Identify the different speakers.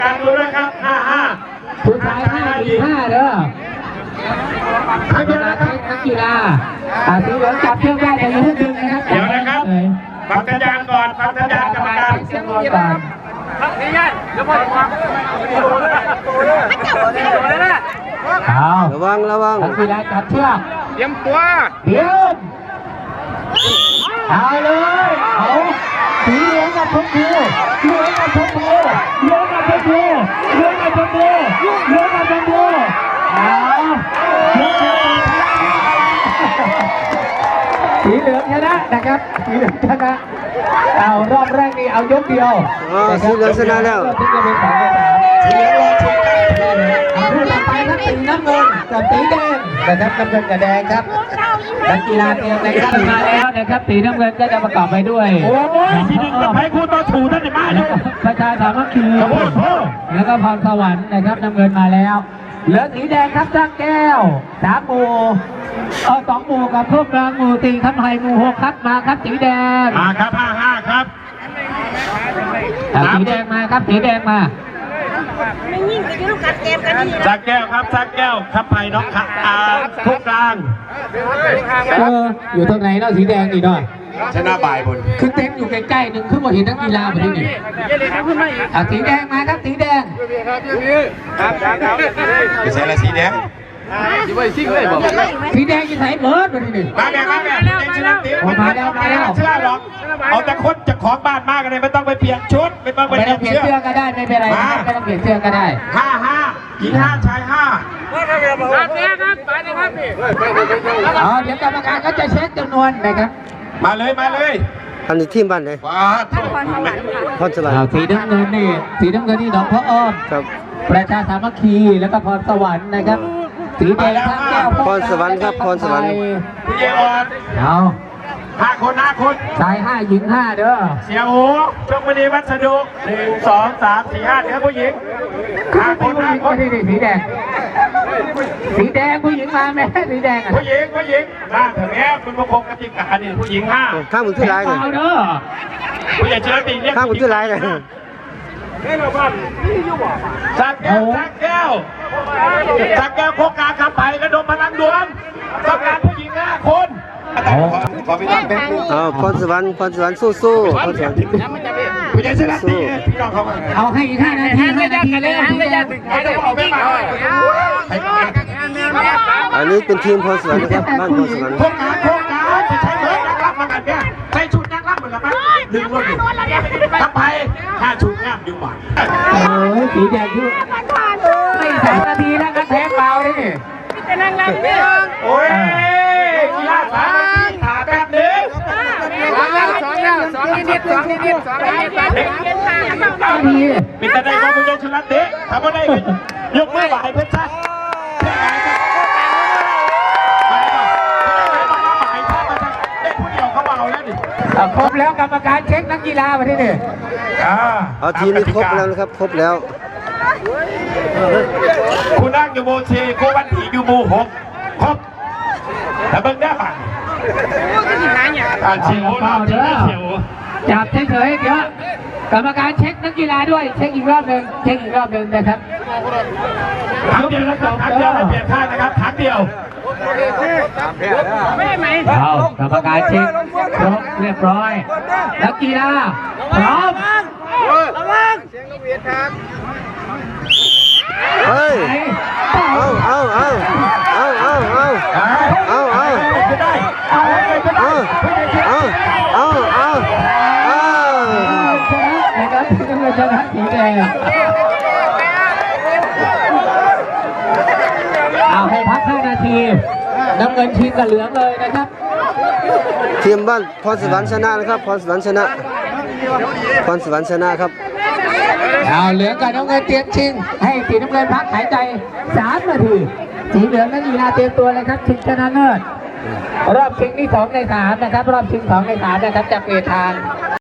Speaker 1: การดูด้วยครับ5-5
Speaker 2: ผู้ชาย5 หญิง 5เด้อครั้งเดียวนะครับนักกีฬาสีเหลืองจับเชือกได้แต่ยังไม่ดึงนะครับ
Speaker 1: เดี๋ยวนะครับฟังสัญญาณก่อนฟังสัญญาณกรรมการ
Speaker 2: เสียงก่อน
Speaker 3: ระวัง
Speaker 2: นักกีฬาจับเชือก
Speaker 4: เตรียมตัว
Speaker 2: เดี๋ยวเอาเลยเอาสีเหลืองกับชมพูเหลืองกับชมพูเหลืองกับชมพูเหลืองกับชมพูเหลืองกับชมพูสีเหลืองชนะนะครับสีเหลืองชนะเอารอบแรกนี่เอายกเดียว
Speaker 3: สีเหลืองชนะแล้ว
Speaker 2: สีเหลืองรอชมกันคู่ต่อไปครับสีน้ำเงินกับสีแดงนะครับน้ำเงินกับแดงครับนักกีฬาเตรียมนะครับมาแล้วนะครับสีน้ำเงินก็จะประกอบไปด้วย
Speaker 1: โอ้ยสีหนึ่งกับไผ่คู่ต่อถูท่านในบ้าน
Speaker 2: ประชาสามัคคีแล้วก็พรสวรรค์นะครับน้ำเงินมาแล้วเหลือสีแดงครับจ้างแก้ว3 หมู่2 หมู่กับพวกกลางหมู่4ครับไทยหมู่6ครับมาครับสีแดง
Speaker 1: มาครับ5-5ครับ
Speaker 2: สีแดงมาครับสีแดงมา
Speaker 5: ไม่ยิ่งไปยุ่งกับเกมกันนี่
Speaker 1: สักแก้วครับสักแก้วครับไผ่น้องขาพวกกลาง
Speaker 2: อยู่ตรงไหนเนาะสีแดงนี่เนาะ
Speaker 1: ชนะบ่ายบน
Speaker 2: คือเต็มอยู่ใกล้ๆหนึ่งขึ้นมาเห็นนักกีฬาแบบนี้นี่สีแดงมาครับสีแดง
Speaker 1: ไม่ใช่ละสีแดง
Speaker 2: สีแดงจะใส่เบิร์ดแบบนี้นี่
Speaker 1: มาแดงชนะตี
Speaker 2: มาแล้ว
Speaker 1: ชนะหรอกเอาแต่คนจะของบ้านมากเลยไม่ต้องไปเปลี่ยนชุดไม่ต้องไปเปลี่ยนเสื้อ
Speaker 2: ก็ได้ไม่เป็นไรไม่ต้องเปลี่ยนเสื้อก็ได้
Speaker 1: 5-5หญิง5ชาย5
Speaker 4: ครับไปเลยครับนี่
Speaker 2: เดี๋ยวกรรมการก็จะเช็คจำนวนนะครับ
Speaker 1: มาเลย
Speaker 3: อันนี้ทีมบ้านไหนพรสวรรค์
Speaker 2: สีน้ำเงินนี่หนองพระอ้อม
Speaker 3: ครับ
Speaker 2: ประชาสามัคคีแล้วก็พรสวรรค์นะครับสีแดงข้างแก้ว
Speaker 3: พรสวรรค์ครับพรสวรรค์
Speaker 1: พี่เอออน
Speaker 2: เอา
Speaker 1: 5 คน
Speaker 2: ชาย5 หญิง5เด้อ
Speaker 1: เสียโอ้ชมบุรีวัสดุ1 2 3 4 5เดี๋ยวผู้หญิง5 คน
Speaker 2: นี่สีแดงผู้หญิงมาแม่สีแดง
Speaker 1: ผู้หญิงมาถึงแม้คุณประคองกติกานี่ผู้หญิง5
Speaker 3: ข้ามมือที่ร้ายเลย
Speaker 1: ผู้ใหญ่เชื้อตีเรียก
Speaker 3: ข้ามมือที่ร้ายเลย
Speaker 1: สักแก้วโคกาขับไปกระดมพลังดวงต้องการผู้หญิง5 คน
Speaker 3: พรสวรรค์สู้พรสวรรค์
Speaker 1: ผู้ใหญ่ชนะตีพี่น้องเขา
Speaker 2: เอาให้อีก5 นาทีเลย
Speaker 3: อันนี้เป็นทีมพรสวรรค์นะครับบ้านพรสวรรค์
Speaker 1: โคกาจะใช้เบิร์ดนักรับมากันเนี่ยใช้ชุดนักรับเหมือนกันไหมดึงรถอยู่ขับไป5 ชุดง่ามดึงหวาน
Speaker 2: สีแดงที่ไม่3 นาทีแล้วกันแพ้เปล่าเลยนี่
Speaker 5: จะนั่งรับเนี่ย
Speaker 1: โอ้ยกีฬา3 นาทีถาแบบนึง
Speaker 4: 2 นิด
Speaker 1: มีแต่ได้ความมุ่งมั่นชนะเตะทำอะไรยกมือไหวเพื่อนชาติ
Speaker 2: ครบแล้วกรรมการเช็คนักกีฬามาที่นี่
Speaker 3: ทีมนี้ครบแล้วนะครับครบแล้ว
Speaker 1: คุณนั่งอยู่โมชีคุณวันถีอยู่โม6ครบแต่เบิ่งได้ป่ะเฉียวเราเฉียว
Speaker 2: จับเฉยๆเดี๋ยวกรรมการเช็คนักกีฬาด้วยเช็คอีกรอบหนึ่งนะครับ
Speaker 1: ครั้งเดียวนะครับครั้งเดียวไม่เปลี่ยนท่านะครับครั้งเดียว
Speaker 2: เอากรรมการเช็คครบเรียบร้อยนักกีฬาพร้อม
Speaker 3: เฮ้ย
Speaker 2: ชนะสีแดงเอาให้พัก5 นาทีน้ำเงินทีมกับเหลืองเลยนะครับ
Speaker 3: ทีมบ้านพรสวรรค์ชนะนะครับพรสวรรค์ชนะครับ
Speaker 2: เอาเหลืองกับน้ำเงินเตรียมชิงให้สีน้ำเงินพักหายใจ3 นาทีสีเหลืองนักกีฬาเตรียมตัวเลยครับชิงชนะเลิศรอบชิงที่2 ใน 3นะครับรอบชิง2 ใน 3นะครับจะเปลี่ยนทาง